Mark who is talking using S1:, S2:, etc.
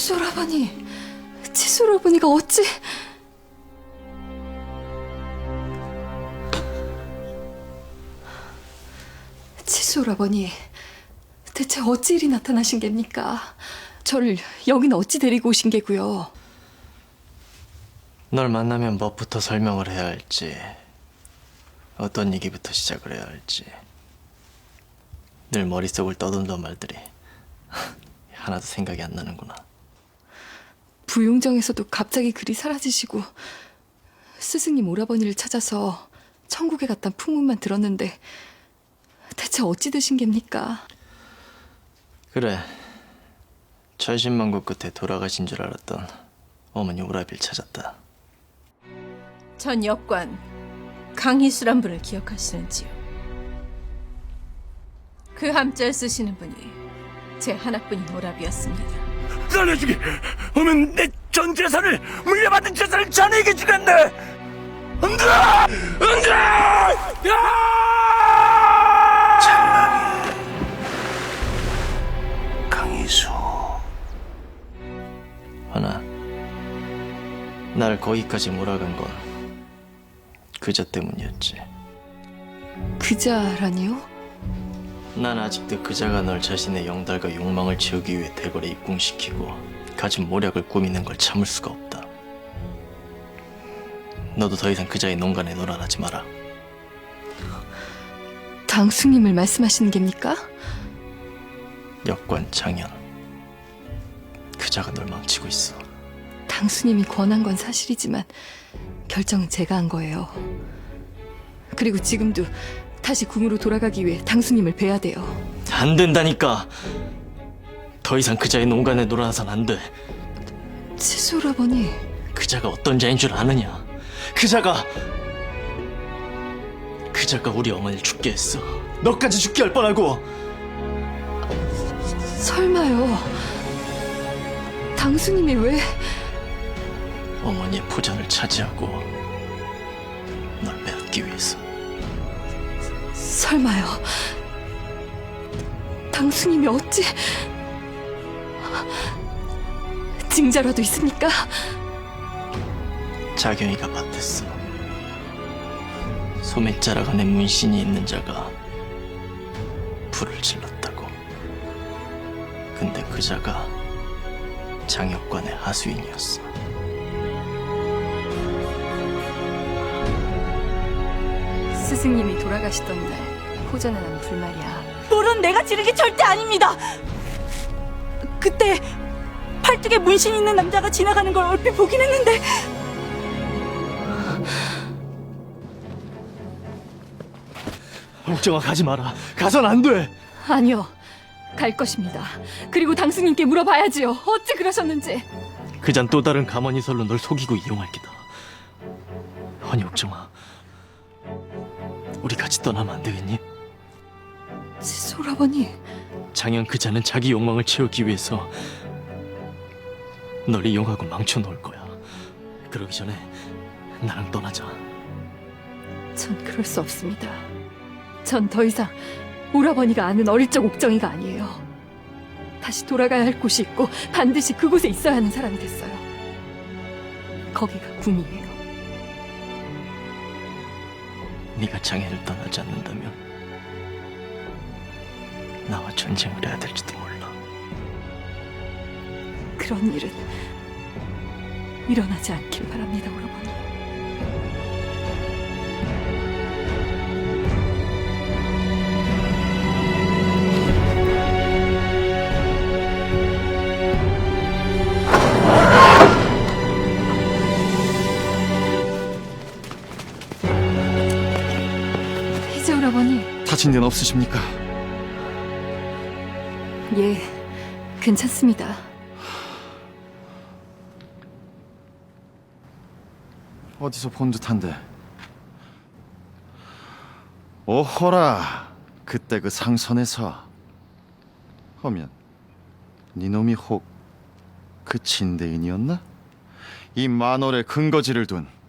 S1: 칫솔아버니, 칫솔아버니가 어찌... 칫솔아버니, 대체 어찌 일이 나타나신 geb니까? 저를 여기는 어찌 데리고 오신 게고요?
S2: 널 만나면 뭐부터 설명을 해야 할지, 어떤 얘기부터 시작을 해야 할지 늘 머릿속을 떠돈던 말들이 하나도 생각이 안 나는구나.
S1: 부용정에서도 갑자기 그리 사라지시고 스승님 오라버니를 찾아서 천국에 갔단 풍문만 들었는데 대체 어찌 되신 geb니까?
S2: 그래, 천신만고 끝에 돌아가신 줄 알았던 어머니 오라비를 찾았다.
S3: 전 역관 강희수란 분을 기억하시는지요? 그 함자를 쓰시는 분이 제 하나뿐인 오라비였습니다.
S4: 살려주기! 오면 내 전 재산을, 물려받은 재산을 자네에게 주겠네! 안 돼! 안 돼! 야! 강희수.
S2: 하나, 날 거기까지 몰아간 건 그저 때문이었지.
S1: 그자라니요?
S2: 난 아직도 그자가 널 자신의 영달과 욕망을 채우기 위해 대궐에 입궁시키고 가진 모략을 꾸미는 걸 참을 수가 없다. 너도 더 이상 그자의 농간에 놀아나지 마라.
S1: 당수님을 말씀하시는 geb니까?
S2: 역관 장현, 그자가 널 망치고 있어.
S1: 당수님이 권한 건 사실이지만 결정은 제가 한 거예요. 그리고 지금도 다시 궁으로 돌아가기 위해 당수님을 뵈야 돼요.
S2: 안 된다니까. 더 이상 그자의 농간에 놀아나선 안 돼.
S1: 칫솔아버니,
S2: 그자가 어떤 자인 줄 아느냐? 그자가 우리 어머니를 죽게 했어. 너까지 죽게 할 뻔하고.
S1: 설마요. 당수님이 왜...
S2: 어머니의 포전을 차지하고 널 빼앗기 위해서.
S1: 설마요. 당수님이 어찌... 징자라도 있습니까?
S2: 자경이가 밭했어. 소매자락 안에 문신이 있는 자가 불을 질렀다고. 근데 그 자가 장역관의 하수인이었어.
S1: 스승님이 돌아가시던 날 포전에 난 불말이야.
S5: 불은 내가 지른 게 절대 아닙니다. 그때 팔뚝에 문신 있는 남자가 지나가는 걸 얼핏 보긴 했는데
S2: 옥정아, 가지 마라. 가선 안 돼.
S1: 아니요. 갈 것입니다. 그리고 당수님께 물어봐야지요. 어찌 그러셨는지.
S2: 그잔 또 다른 가만히설로 널 속이고 이용할 기다. 아니 옥정아, 우리 같이 떠나면 안 되겠니?
S1: 칫솔아버니,
S2: 장현 그자는 자기 욕망을 채우기 위해서 널 이용하고 망쳐놓을 거야. 그러기 전에 나랑 떠나자.
S1: 전 그럴 수 없습니다. 전 더 이상 오라버니가 아는 어릴 적 옥정이가 아니에요. 다시 돌아가야 할 곳이 있고 반드시 그곳에 있어야 하는 사람이 됐어요. 거기가 군이에요.
S2: 네가 장현을 떠나지 않는다면 나와 전쟁을 해야 될지도 몰라.
S1: 그런 일은 일어나지 않길 바랍니다, 오라버니. 이제 오라버니.
S6: 다친 데는 없으십니까?
S1: 예, 괜찮습니다.
S6: 어디서 본 듯한데. 오호라, 그때 그 상선에서. 하면 니놈이 혹 그 진대인이었나? 이 만월의 근거지를 둔